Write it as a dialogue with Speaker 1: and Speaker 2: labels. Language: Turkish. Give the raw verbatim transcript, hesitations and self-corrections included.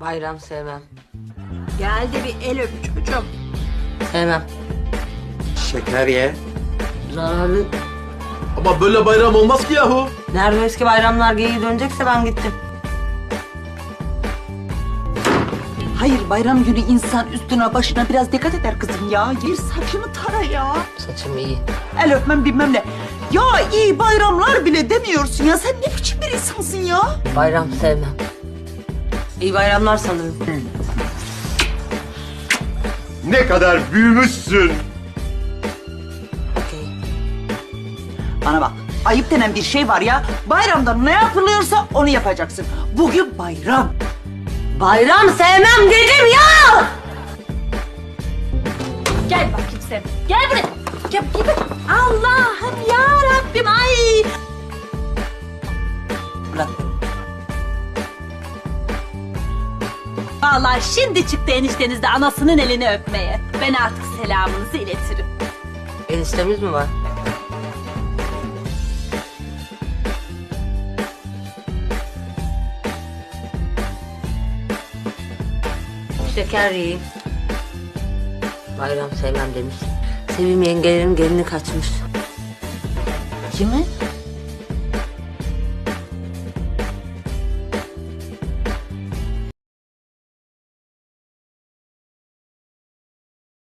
Speaker 1: Bayram sevmem.
Speaker 2: Gel de bir el öp çocuğum.
Speaker 1: Sevmem.
Speaker 3: Şeker ye.
Speaker 1: Zararlı.
Speaker 4: Ama böyle bayram olmaz ki yahu.
Speaker 1: Nerede eski bayramlar geyiği dönecekse ben gittim.
Speaker 2: Hayır, bayram günü insan üstüne başına biraz dikkat eder kızım ya. Gir saçını tara ya.
Speaker 1: Saçım iyi.
Speaker 2: El öpmem bilmem ne. Ya iyi bayramlar bile demiyorsun ya. Sen ne biçim bir insansın ya?
Speaker 1: Bayram sevmem. İyi bayramlar sanırım.
Speaker 3: Ne kadar büyümüşsün.
Speaker 1: Okey.
Speaker 2: Bana bak, ayıp denen bir şey var ya. Bayramda ne yapılıyorsa onu yapacaksın. Bugün bayram.
Speaker 1: Bayram sevmem dedim ya!
Speaker 5: Gel bakayım sen. Gel buraya. Gel, gel, gel. Allah'ım ya Rabbim ay.
Speaker 2: Bırak.
Speaker 5: Vallahi şimdi çıktı enişteniz de anasının elini öpmeye. Ben artık selamınızı iletirim.
Speaker 1: Eniştemiz mi var? Şeker yiyeyim. Bayram sevmem demiş. Sevim yengelerin gelini kaçmış.
Speaker 2: Kimi?